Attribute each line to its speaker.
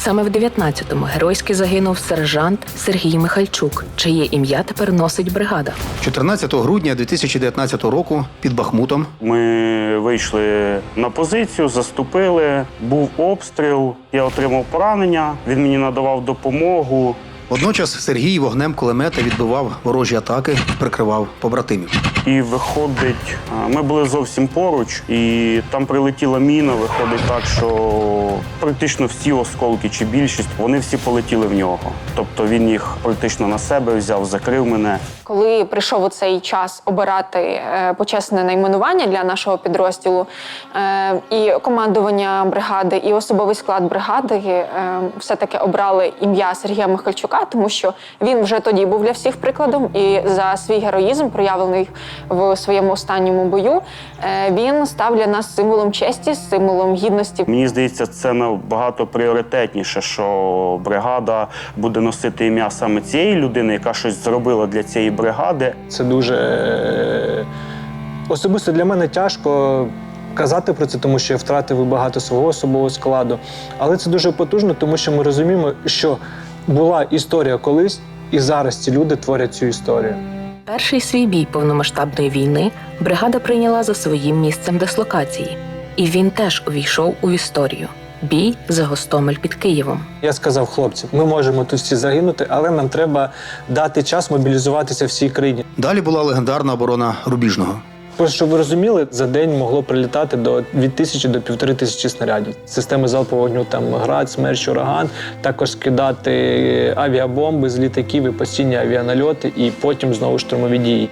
Speaker 1: Саме в 19-му геройськи загинув сержант Сергій Михальчук, чиє ім'я тепер носить бригада.
Speaker 2: 14 грудня 2019 року під Бахмутом
Speaker 3: Ми вийшли на позицію, заступили, був обстріл, я отримав поранення, він мені надавав допомогу.
Speaker 2: водночас Сергій вогнем кулемета відбивав ворожі атаки, прикривав побратимів.
Speaker 3: І виходить, ми були зовсім поруч, і там прилетіла міна, виходить так, що практично всі осколки чи більшість, вони всі полетіли в нього. Тобто він їх практично на себе взяв, закрив мене.
Speaker 4: Коли прийшов у цей час обирати почесне найменування для нашого підрозділу, і командування бригади, і особовий склад бригади все-таки обрали ім'я Сергія Михальчука, тому що він вже тоді був для всіх прикладом, і за свій героїзм, проявлений в своєму останньому бою, він став для нас символом честі, символом гідності.
Speaker 3: Мені здається, це набагато пріоритетніше, що бригада буде носити ім'я саме цієї людини, яка щось зробила для цієї бригади.
Speaker 5: Це дуже особисто для мене тяжко казати про це, тому що я втратив багато свого особового складу. Але це дуже потужно, тому що ми розуміємо, що була історія колись, і зараз ці люди творять цю історію.
Speaker 1: Перший свій бій повномасштабної війни бригада прийняла за своїм місцем дислокації. І він теж увійшов у історію. Бій за Гостомель під Києвом.
Speaker 5: Я сказав хлопцям, ми можемо тут всі загинути, але нам треба дати час мобілізуватися всій країні.
Speaker 2: Далі була легендарна оборона Рубіжного.
Speaker 5: Просто, щоб ви розуміли, за день могло прилітати від 1000 до 1500 снарядів. Системи залпового вогню, там «Град», «Смерч», «Ураган», також скидати авіабомби з літаків і постійні авіанальоти, і потім знову штурмові дії.